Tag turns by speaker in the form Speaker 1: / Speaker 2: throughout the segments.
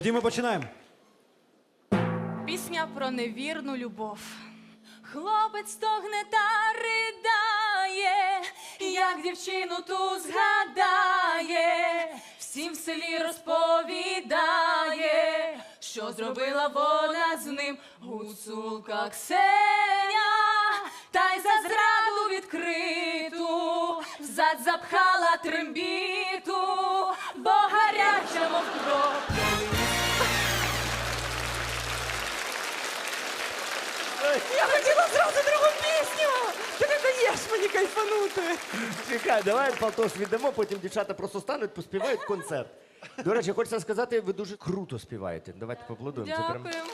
Speaker 1: Тоді ми починаємо.
Speaker 2: Пісня про невірну любов. Хлопець стогне та ридає, як дівчину ту згадає, всім в селі розповідає, що зробила вона з ним гуцулка Ксеня, та й за зраду відкриту взад запхала трембіту, бо гаряча мов кров.
Speaker 3: Я хотіла зразу другу пісню! Ти не даєш мені кайфанути!
Speaker 4: Чекай, давай Палтош віддамо, потім дівчата просто стануть, поспівають концерт. До речі, хочеться сказати, ви дуже круто співаєте. Давайте поаплодуємо. Це прям...
Speaker 2: Дякуємо.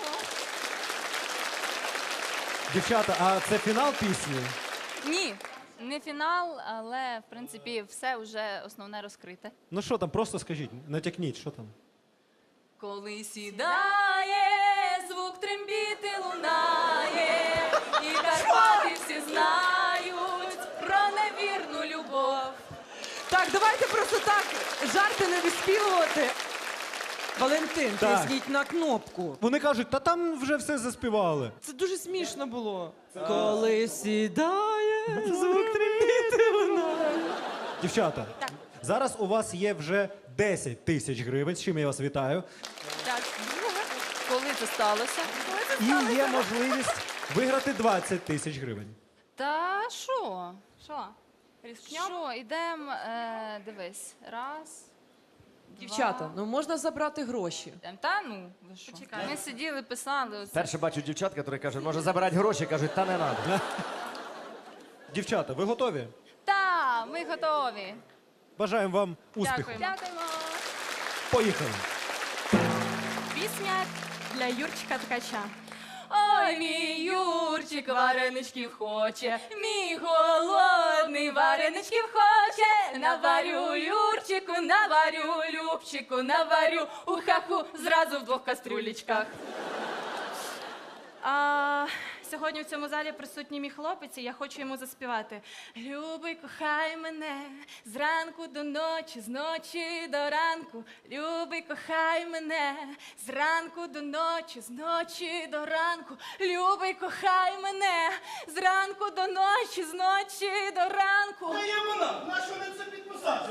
Speaker 1: Дівчата, а це фінал пісні?
Speaker 2: Ні, не фінал, але, в принципі, все вже основне розкрите.
Speaker 1: Ну що там, просто скажіть, натякніть, що там?
Speaker 2: Коли сідає, звук трембіти лунає, і Карпати всі знають про невірну любов.
Speaker 3: Так, давайте просто так жарти не виспівувати. Валентин,
Speaker 1: Так.
Speaker 3: тисніть на кнопку.
Speaker 1: Вони кажуть, та там вже все заспівали.
Speaker 3: Це дуже смішно було. Коли сідає, звук трембіти лунає.
Speaker 1: Дівчата,
Speaker 2: Так.
Speaker 1: зараз у вас є вже 10 тисяч гривень, з чим я вас вітаю.
Speaker 2: Так, коли це сталося?
Speaker 1: І є можливість виграти 20 тисяч гривень.
Speaker 2: Та що? Що, ідемо, дивись, раз,
Speaker 3: Дівчата, ну можна забрати гроші.
Speaker 2: та ну, ви що? Ми сиділи, писали. Оце.
Speaker 4: Перше бачу дівчат, які кажуть, може забирати гроші, кажуть, та не треба.
Speaker 1: Дівчата, ви готові?
Speaker 2: Та, ми готові.
Speaker 1: Бажаємо вам успіху.
Speaker 2: Дякуємо. Дякуємо.
Speaker 1: Поїхали.
Speaker 2: Пісня для Юрчика Ткача. Ой, мій Юрчик вареничків хоче, мій голодний вареничків хоче. Наварю Юрчику, наварю Любчику, наварю у хаху зразу в двох кастрюлечках. Сьогодні в цьому залі присутній мій хлопець, і я хочу йому заспівати. Любий, кохай мене зранку до ночі, з ночі до ранку. Любий, кохай мене зранку до ночі, з ночі до ранку. Любий, кохай мене зранку до ночі, з ночі до ранку.
Speaker 5: Та є вона, на що не це підписати?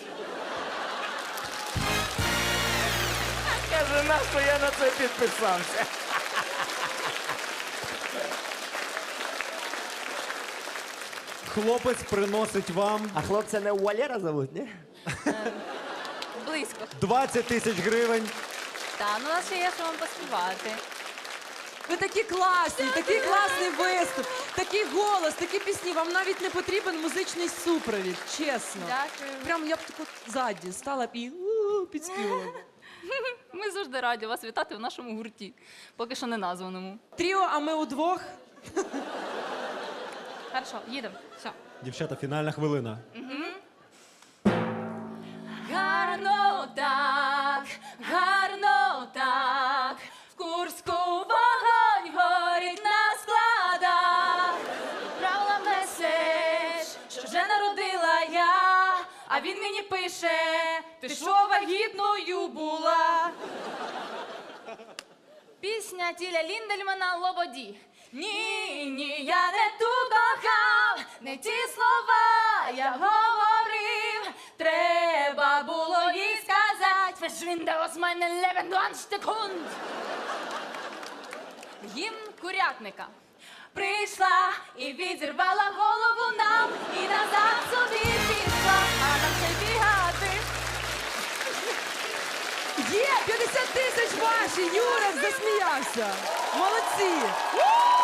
Speaker 4: Каже, нащо я на це підписався?
Speaker 1: Хлопець приносить вам
Speaker 4: А хлопця не Валера зовуть, ні?
Speaker 2: Близько.
Speaker 1: 20 тисяч гривень.
Speaker 2: Та, ну у нас ще є, що вам поспівати.
Speaker 3: Ви такі класні, такий класний виступ, такий голос, такі пісні. Вам навіть не потрібен музичний супровід, чесно.
Speaker 2: Дякую.
Speaker 3: Прям я б таку ззаді стала б і підспівала.
Speaker 2: Ми завжди раді вас вітати в нашому гурті, поки що не названому.
Speaker 3: Тріо, а ми удвох.
Speaker 2: Хорошо, їдемо. Все.
Speaker 1: Дівчата, фінальна хвилина.
Speaker 2: Гарно так, в Курську вогонь горить на складах. Правила меседж, що вже народила я, а він мені пише, ти що вагітною була? Пісня Тіля Ліндельмана «Лободі». Ні, я не ту кохав, не ті слова я говорив. Треба було їй сказати, verschwinde aus meinem Leben, du Ansteckhund. Гімн курятника. Прийшла і відірвала голову нам, і назад собі пішла, а нам ще бігати.
Speaker 3: Є, 50 тисяч ваші, Юрик засміявся. Молодці.